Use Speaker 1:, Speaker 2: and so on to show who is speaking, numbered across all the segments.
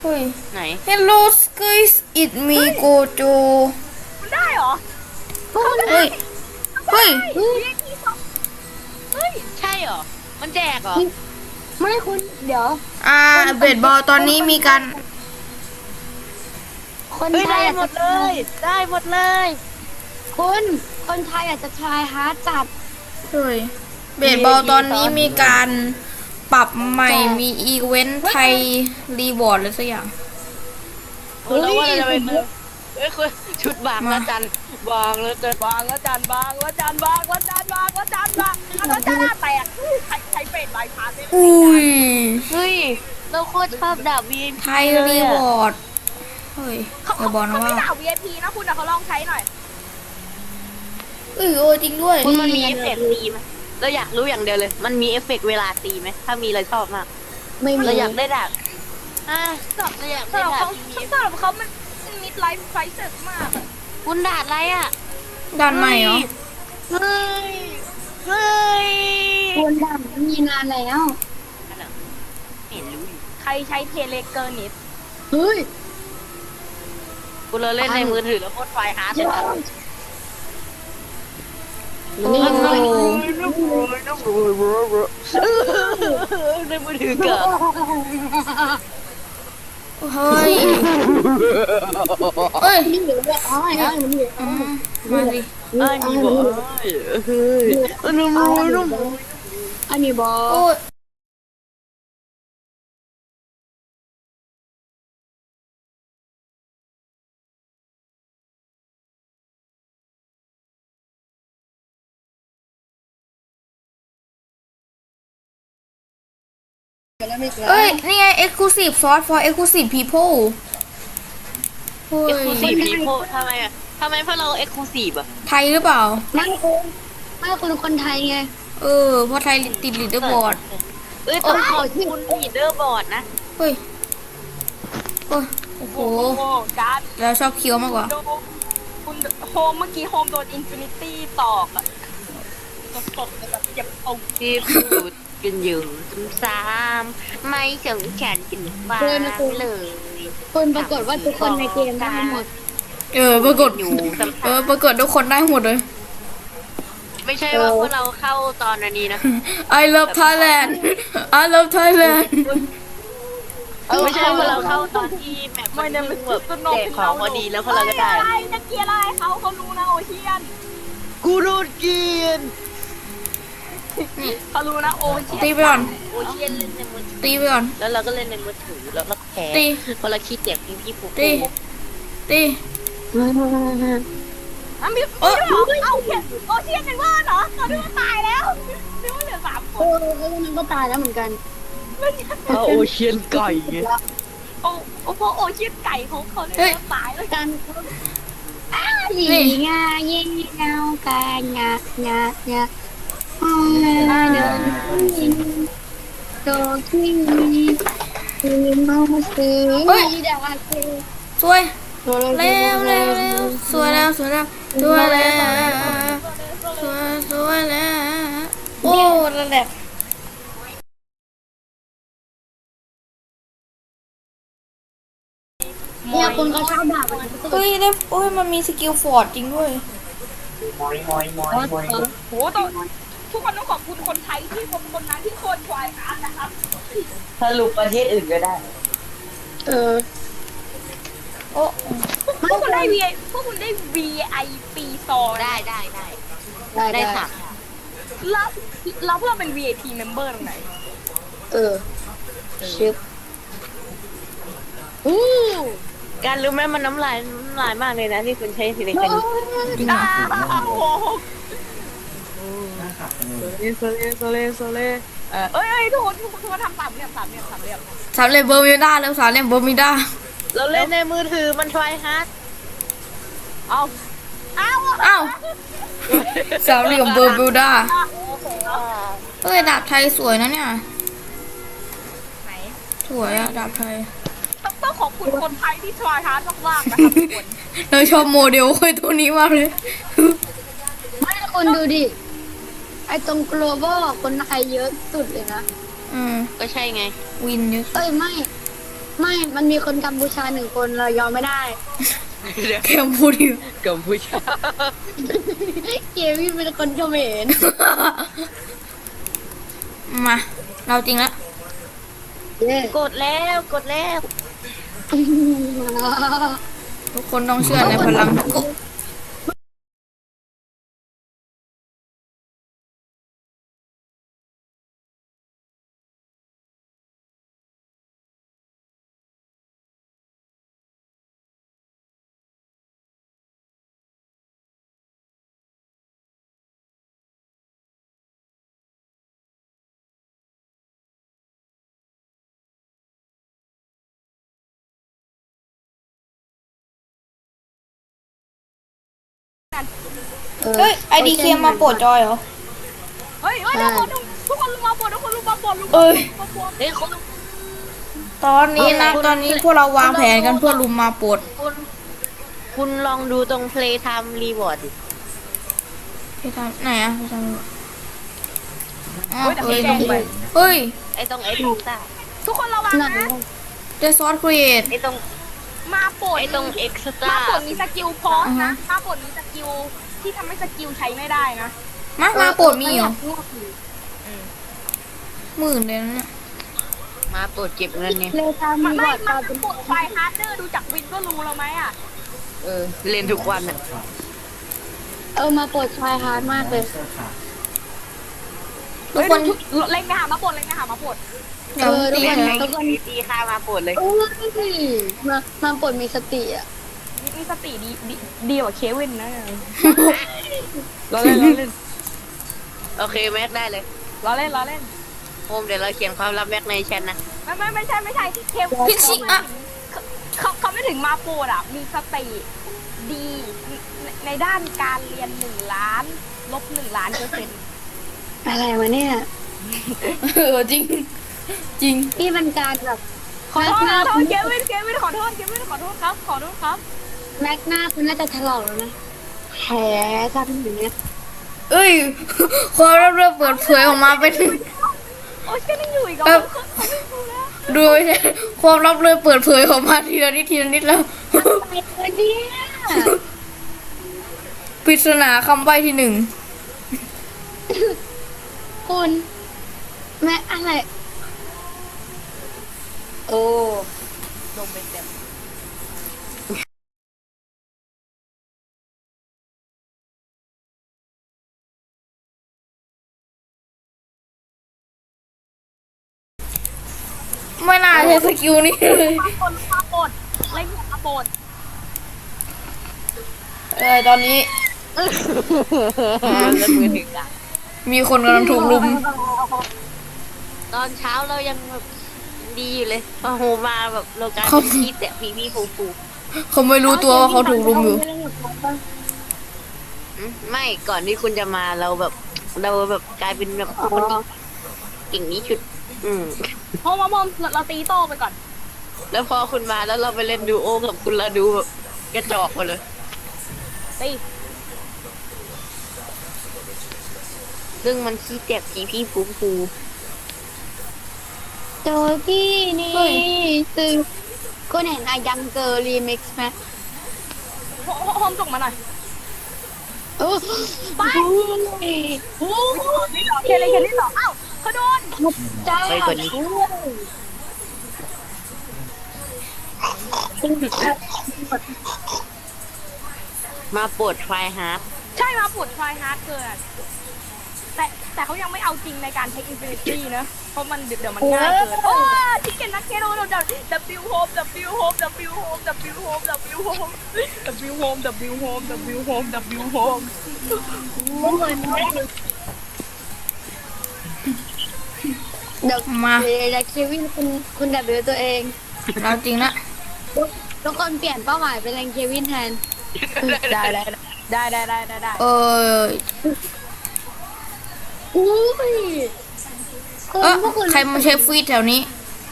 Speaker 1: เฮ้ย
Speaker 2: ไหน
Speaker 1: Hello guys it me Gojo
Speaker 3: มันได้เหรอ
Speaker 1: เฮ้ยเฮ้ย
Speaker 3: เฮ้ย
Speaker 2: ใช่เหรอ มันแจกเหรอ
Speaker 4: ไม่คุณเดี๋ยว
Speaker 1: เบสบอลตอนนี้มีการ
Speaker 4: คน
Speaker 2: เฮ้ย
Speaker 4: ไท
Speaker 2: ได้
Speaker 4: ยอาจ
Speaker 2: หม
Speaker 4: จะ
Speaker 2: ดเลย ได้หมดเลย
Speaker 4: คุณคนไทยอาจจะทรายฮาร์ดจัด
Speaker 1: เฮ้ยเบสบอลตอนนี้มีการปรับใหม่มีอีเวนต์ไทยรีวอร์ดหรือสักอย่าง
Speaker 2: โอ้แล้วว่าเราจะไปเฮ้ยคุณชุดบางละจันบางละจัน
Speaker 3: บางแล้วจานบางแล้วจานบางแล้วจานบางแล้วจานบางแล้วจานแตกใช้เป็ดใบพาได้
Speaker 1: อุ้ย
Speaker 2: เฮ้ย เราโคตรชอบดาบ VIP
Speaker 1: ไทยรีวอร์ดเฮ้ย
Speaker 3: เขา
Speaker 1: อย่าบอกนะ
Speaker 3: ไม่
Speaker 1: ว่า
Speaker 3: ด่า VIP นะคุณแต่เขาลองใช้หน่อย
Speaker 1: โอ้จริงด้วย
Speaker 2: คุณมันมีเอฟเฟกต์ตีไหมเราอยากรู้อย่างเดียวเลย มันมีเอฟเฟกต์เวลาตีไหม ถ้ามีเราชอบมาก
Speaker 4: ไม่มี
Speaker 2: เราอยากได้ดาบเราอยาก
Speaker 3: สำ
Speaker 2: ได้
Speaker 3: หรับ
Speaker 2: ดาบ
Speaker 3: เขา
Speaker 2: ที่มี
Speaker 3: สำหรับเขามันมิดไลฟ์ไฟเซอร์มาก
Speaker 2: คุณดาบอะไรอ่ะ
Speaker 1: ด้านใหม่เหรอ
Speaker 2: เฮ้ย เฮ้ย
Speaker 4: คุณดังมีนานแล้ว
Speaker 2: เห็นรู้อยู่
Speaker 3: ใครใช้เทเลเกอร์นิด
Speaker 4: เฮ้ย
Speaker 2: กูเลยเล่นในมือถือแล้วโคตรไฟฮาร์ดเลย
Speaker 1: โอ้
Speaker 2: ในมือถือเกิด
Speaker 1: เฮ้ยเอ้ย
Speaker 4: นี่เหลือแบบอ้อยมันเหลือ
Speaker 1: มาสิ
Speaker 2: อันนี้บอกเฮ้ยอันนี้มวยน้อง
Speaker 4: อันนี้บอ
Speaker 1: โอ้ยเอ้ย นี่ไง Exclusive Sauce for Exclusive People เฮ้
Speaker 2: เอ็กซ์คลูซี
Speaker 1: ย
Speaker 2: ฟพีโพทำไมอ่ะทำไมเพราะเราเอ็กซ์คลูซีฟอ่ะ
Speaker 1: ไทยหรือเปล่า
Speaker 4: ไม่คุณไม่คุณคนไทยไง
Speaker 1: เพราะไทยติดลีดเดอร์บอร์ด
Speaker 2: เอ้ยต้องขอบคุณลีดเดอร์บอร์ดนะ
Speaker 1: เฮ้ยโอ้ยโอ้โห
Speaker 3: โอ้การ์ด
Speaker 1: แล้วชอบเคี้ยวมากกว่า
Speaker 3: โดคุณโฮมเมื่อกี้โฮมโดนอินฟินิตี้ตอกอะสดๆแบบเจ็บตรง
Speaker 2: ที่พูดกันอยู่ซ้ำๆไม่สงสารกันบ้างเลย
Speaker 4: คุณปรากฏว่าทุกคนในเกมได้หมด
Speaker 1: ปรากฏ
Speaker 2: อยู่ซ้ำ
Speaker 1: ปรากฏทุกคนได้หมดเลย
Speaker 2: ๆไม่ใช่ว่าพวกเราเข้าตอนนี้นะ
Speaker 1: I love Thailand I love Thailand
Speaker 2: ไม่ใช่ว่าเราเข้าตอนที่แบบมันเพิ่งแบบแจกของพอดีแล้วพวกเราก็ได้
Speaker 3: อะไรจะเกลียร์อะไรเขารู้นะโอเชียน
Speaker 2: กูโดนเกียน
Speaker 3: เขารู้นะโอเชียน
Speaker 1: ตีไปก่อน
Speaker 2: โอเชียนเล่นในมือถือ
Speaker 1: ตีไปก่อน
Speaker 2: แล้วเราก็เล่นในมือถือแล้วเราแพ้
Speaker 1: ตี
Speaker 2: เพราะเราขี้เกียจพี่ผูก
Speaker 1: ตีตี
Speaker 3: อ่ะมีเอาเชียนโอเชียนเป็นว่าเหรอเขาดูว่าตายแล้วนึกว่าเหลือ3 ค
Speaker 4: เอน อมันก็ตายแล้วเหมือนกัน
Speaker 2: โอเชียนไก่
Speaker 3: โอ้พวกโอเชียนไก่เขาเลยตายแล้ว
Speaker 4: กันหลีงาเย็นเงากางางางาเดินโตที่คือมาซื้อดาเซ
Speaker 1: สวยเร็วสวยแล้วสวยแล้วสวยแล้วสวยแล้วโอ้ระดับ
Speaker 4: เนี่ยคุณเขาชอบด่ามัน
Speaker 1: เฮ้ยได้โอ้ยมันมีสกิลฟอร์ดจริงด้วย
Speaker 3: โหต้องทุกคนต้องขอบคุณคนไทยที่คนนั้นที่โคนควายนะครับ
Speaker 2: สรุปประเทศอื่นก็ได้
Speaker 1: โอ้
Speaker 3: พวกคุณได้ พวกคุณได้ VIP ซอ
Speaker 2: ได้ได้ค่ะ
Speaker 3: แล้วพวกเราเป็น VIP member ตรงไหน
Speaker 4: ชิป
Speaker 2: การรู้ไหมมันน้ำลายมากเลยนะที่คุณใช้สิริกัน
Speaker 1: จริงเหรอ
Speaker 3: โอ้โหโซเลเอ้ยทุกคนทำสามเหลี่ยม
Speaker 1: สามเหลี่ยมเบอร์มิวด้าแล้วสามเหลี่ยมเบอร์มิวด้า
Speaker 2: เราเล่นในมือถือมันทรายฮาร์ด
Speaker 3: เอา
Speaker 1: สามเหลี่ยมเบอร์มิวด้าเอ้ยดาบไทยสวยนะเนี่ย
Speaker 3: ไหน
Speaker 1: สวยอะดาบไทย
Speaker 3: ต้องขอบคุณคนไทยที่ทรายฮาร์ดมากๆนะครับทุกคน
Speaker 1: เราชอบโมเดลค่อยตัวนี้มากเลย
Speaker 4: ไม่คุณดูดิ ไอตรง global คนไทยเยอะสุดเลยนะ
Speaker 1: อืม
Speaker 2: ก็ใช่ไง
Speaker 1: วินเยอะ
Speaker 4: เอ้ยไม่ไม่ มันมีคนกัมพูชาหนึ่งคนเรายอมไม่ได้
Speaker 1: แค่พูดดิ
Speaker 2: กัมพูชา
Speaker 4: เควินเป็นคนเขมร
Speaker 1: มาเราจริงแล้ว
Speaker 4: เย้
Speaker 2: กดแล้วกดแล้ว
Speaker 1: ทุกคนต้องเชื่อในพลังกุ เฮ้ยไอดีเคมาโปรดจอยเหรอ
Speaker 3: เฮ้ยทุกคนลงมาบนทุกคนลงมาบนลง
Speaker 1: เอ้ย
Speaker 3: มาบน
Speaker 2: เฮ้ยคุณ
Speaker 1: ตอนนี้นะตอนนี้พวกเราวางแผนกันเพื่อลุมมาโปรด
Speaker 2: คุณลองดูตรง play time reward ดิ
Speaker 1: พี่ทำไหนอะพี่ทำอ๋อ
Speaker 3: เฮ้ยแต่
Speaker 1: เอ้
Speaker 3: ไม่
Speaker 1: ย
Speaker 3: แจ้งไป
Speaker 1: เฮ้ย
Speaker 2: ไอ้ตรงไอ้ตรงใต้
Speaker 3: ทุกคนระวัง
Speaker 4: นั่น
Speaker 3: นะ
Speaker 1: เดซอสครีเอท
Speaker 2: ไอ้ตรง
Speaker 3: มาปวด
Speaker 2: ไอ้ตรง extra
Speaker 3: มาปวดมีสกิลพอส
Speaker 1: อ่าฮะ
Speaker 3: นะมาปวดมีสกิลที่ทำให้สกิลใช้ไม่ได้นะ
Speaker 1: มาโปรดมีเหรอหมื่นเลยนะเนี่ย
Speaker 2: มาโปรดเก็บเงินเนี่ย
Speaker 4: เลยทำ
Speaker 3: ไม่
Speaker 4: มีบ
Speaker 3: ไม่
Speaker 4: อร์ด
Speaker 3: มา
Speaker 4: ตาเป็น
Speaker 3: ปวดไฟฮาร์ดเดอร์ดูจากวินก็รู้แล้วไหมอ่ะ
Speaker 2: เล่นทุกวันอ่ะ
Speaker 4: มาปวดชายฮาร์ดมากเลย
Speaker 1: ทุกคน
Speaker 3: เล็งไปหามาปวดเล็งไปหามาปวด
Speaker 1: เดี๋ยวตี
Speaker 2: เล่น
Speaker 1: กัน
Speaker 2: ไง
Speaker 1: นะ
Speaker 2: ตีค่ามาโปรดเลย
Speaker 4: โอ้ยมาปวดมีสติอ่ะ
Speaker 3: มีสติดีกว่าเควินนะเราเล่นเราเล่น
Speaker 2: โอเคแม็กได้เลย
Speaker 3: เราเล่นเราเล่น
Speaker 2: โฮมเดี๋ยวเราเขียนความลับแม็กในแชทนะ
Speaker 3: ไม่ใช่เควิน
Speaker 1: พิชิอะ
Speaker 3: เขาไม่ถึงมาปวดอ่ะมีสติดีในด้านการเรียน1,000,000 ลบ1,000,000%
Speaker 4: อะไรวะเนี่ย
Speaker 1: จริง จริง
Speaker 4: นี่มันการแบบ
Speaker 3: ขอโทษ
Speaker 4: หน้า
Speaker 3: เควินขอโทษครับขอโทษครับ
Speaker 4: แม็กหน้าคุณน่าจะถลอกแล้วนะแผลทำอย่างเงี้ย
Speaker 1: เอ้ยความลับเริ่มเปิดเผยออกมาเป็น
Speaker 3: โอ้ยก็ยังอยู่อีกเหรอ
Speaker 1: เอ่อ
Speaker 3: เขาไม่รู้แล้ว
Speaker 1: ดูไม่ใช่ความลับเริ่มเปิดเผยออกมาทีละนิดแล้ว
Speaker 4: ไปเลยเนี่ย
Speaker 1: ปริศนาคำใบ้ที่หนึ่ง
Speaker 4: คุณแม็กอะไร โอ้
Speaker 3: ลงไปเต็ม
Speaker 1: ไม่น่าใช้สกิลนี้เลย
Speaker 3: มาปดเล่นมาปด
Speaker 1: ตอนนี้
Speaker 2: แล้วมือถึงอ่ะ
Speaker 1: มีคนกำลังถูกลุม
Speaker 2: ตอนเช้าเรายังแบบดีอยู่เลยพอโฮมมาแบบเรากลายเป็นพีแต่พีฟู
Speaker 1: เขาไม่รู้ตัวว่าเขาถูกลุมอยู่
Speaker 2: ไม่ก่อนที่คุณจะมาเราแบบกลายเป็นแบบคนเก่งนี้ชุด
Speaker 3: โฮมเราตีโต้ไปก่อน
Speaker 2: แล้วพอคุณมาแล้วเราไปเล่นดูโอกับคุณเราดูแบบกระจอกหมดเลย
Speaker 3: ตี
Speaker 2: ซึ่งมันขี้แตกพีฟู
Speaker 4: โจกี้นี่ซึ่งคุณเห็นอายังเกอร์รีมิกซ์ไหม
Speaker 3: โฮมส่งมาหน่อย
Speaker 4: โอ้
Speaker 3: ไป โอ้นี่เหรอเคลี่เหรออ้าวเขาโดน
Speaker 4: จ้า
Speaker 2: ไปกว่านี้มาปวดไฟฮาร์ด
Speaker 3: ใช่มาปวดทรายฮาร์ดเกินแต่เขายังไม่เอาจริงในการเทคอินฟินิตี้นะเพราะมันเดี๋ยวมันง่ายเกินโอ้ที่เก่งนักเกโดนWโฮม Wโฮม Wโฮม Wโฮม Wโฮม Wโฮม Wโฮม Wโฮม Wโฮม
Speaker 4: เดี๋ยว
Speaker 1: มา
Speaker 4: เดี๋ยวเควินคุณดับเบิลตัวเอง
Speaker 1: เราจริงละ
Speaker 4: ทุกคนเปลี่ยนเป้าหมายเป็นแรงเควินแทน
Speaker 3: ได้
Speaker 1: เออ
Speaker 4: อุ้ยพวกคุณ
Speaker 1: ใครมาใช้ฟีดแถวนี้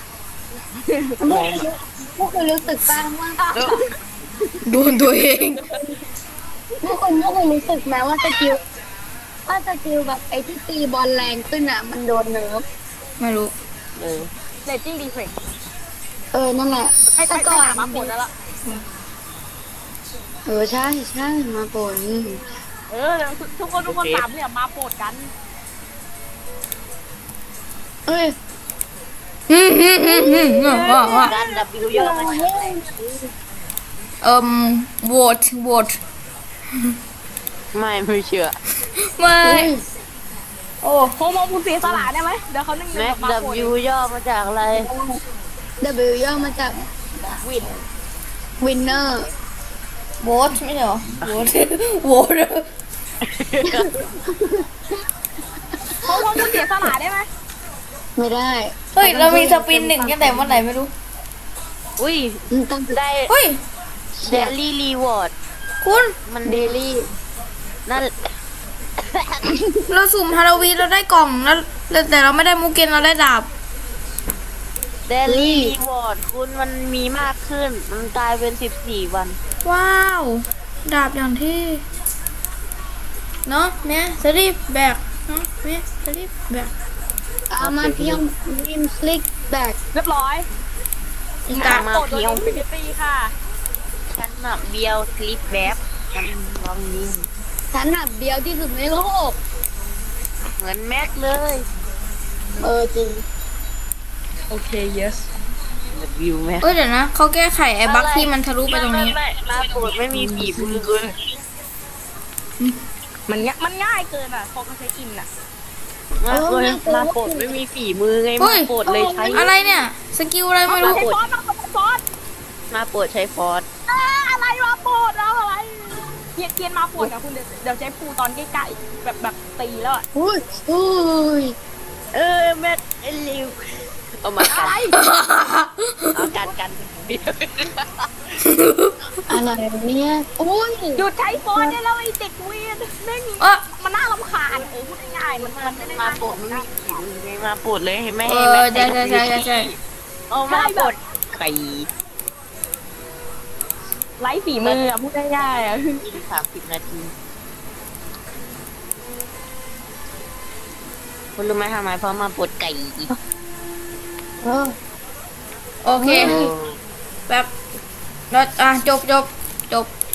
Speaker 4: พวกคุณรู้สึกบ้างว่า
Speaker 1: โดนตัวเอง
Speaker 4: พวกคุณรู้สึกไหมว่าสกิลแบบไอ้ที่ตีบอลแรงขึ้นอ่ะ มันโดนเนิร์ฟ
Speaker 1: ไม่รู้
Speaker 3: เลตติ้งดีเฟกต์
Speaker 4: นั่นแหละ
Speaker 3: ให้
Speaker 4: แต่ก่อน
Speaker 3: หามาปลดแล้วล่ะ
Speaker 4: ใช่ใช่มาปน
Speaker 3: เดี๋ยวทุกคนสามเนี่ยมาปลดกัน
Speaker 4: เอ้ย
Speaker 1: ว่า
Speaker 2: การ W ย่อมาจากอะไร
Speaker 1: โหวต
Speaker 2: ไม่เชื่อ
Speaker 1: ไม่โอ้
Speaker 3: โฮโมคุณเสียสละได้ไหมเดี๋ยวเขานึ่ง
Speaker 2: แม็ก
Speaker 3: มาปลด
Speaker 2: W ย่อมาจากอะไร
Speaker 4: W ย่อมาจาก
Speaker 3: วิน
Speaker 4: winner
Speaker 1: โหวตไม่ใช่เหรอโหวต โหวต
Speaker 3: โฮโมคุณเสียสละได้ไหม
Speaker 4: ไม่ได้
Speaker 1: เฮ้ยเรามีสปินหนึ่งกันแต่วันไหนไม่รู้
Speaker 2: อุ้ย
Speaker 4: ต้อง
Speaker 2: ได้
Speaker 1: เฮ้ย
Speaker 2: เดลี่รีวอร์ด
Speaker 1: คุณ
Speaker 2: มัน
Speaker 4: เดลี่
Speaker 2: นั่น
Speaker 1: เราสุ่มฮาโลวีนเราได้กล่องแล้วแต่เราไม่ได้มูเกนเราได้ดาบ
Speaker 2: เดลี่รีวอร์ดคุณมันมีมากขึ้น มันกลายเป็น14 วัน
Speaker 1: ว้าว ดาบอย่างที่เนาะแม่สลีปแบกเนาะแม่สลีปแบก
Speaker 4: เอามาเพียงริมสลิกแบก
Speaker 3: เรียบร้อย
Speaker 1: อีก
Speaker 2: ตา
Speaker 1: ตาม
Speaker 2: มา
Speaker 3: ปลดโด
Speaker 2: เพี
Speaker 3: ย
Speaker 2: ยว
Speaker 3: อินฟินิตี้ค่ะ
Speaker 2: ฉันน่ะเบียวคลิปแบบฉันลองยิง
Speaker 4: ฉันหนับเดียวที่สุดในโลก
Speaker 2: เหมือนแม็กเลย
Speaker 4: จริง
Speaker 3: โอเค yes
Speaker 2: วิวแม็ก
Speaker 1: เอ้ยเดี๋ยวนะเขาแก้ไขไอ้บั๊กที่มันทะลุไปตรงนี้
Speaker 2: ไม่มาโปรดไม่มีฝีมือเลย
Speaker 3: มันง่ายเกินอ่ะพอเขาใช้อินอ่ะ
Speaker 2: มาโปรดไม่มีฝีมือไง
Speaker 1: เฮ้
Speaker 2: มาย โปรดเลยใช้
Speaker 1: อะไรเนี่ย สกิลอะไรไม่รู้
Speaker 3: ใช้ฟอนต์ฟอนต์
Speaker 2: มาโปรดใช้ฟอส
Speaker 3: อะไรมาปลดแล้วอะไรเกียนมาปลดอ่ะคุณเดี๋ยวใช้ปูตอนใกล้ๆแบบตีแล้วอ่ะ
Speaker 4: อุ้ยอุ้ย
Speaker 2: แม็กไอ้ลิวเอามากัน
Speaker 3: อะไร
Speaker 2: เอากันเบียว
Speaker 4: อะไรเนี่ยอุ้ย
Speaker 3: หยุดใช้ฟอนต์ได้แล้วไอ้เด็กเวียนแม่ง
Speaker 1: เออ
Speaker 3: มันน่ารำคาญพูดง่ายๆมันไม่ได้
Speaker 2: มา
Speaker 3: น่า
Speaker 2: โปรดไม่มีฝีมือไงมาโปรดเลยให้ไม่
Speaker 1: เอ
Speaker 2: ให้
Speaker 1: อ
Speaker 2: แม็ก
Speaker 1: ใช่
Speaker 2: เอามาโปรดไข่
Speaker 3: ไร้ฝีมืออ่ะพูดง่ายๆอ่ะ
Speaker 2: กิน30 นาทีคุณรู้ไหมทำไมเพราะมาโปรดไก่
Speaker 4: เออ
Speaker 1: โอเคแบบเราจบ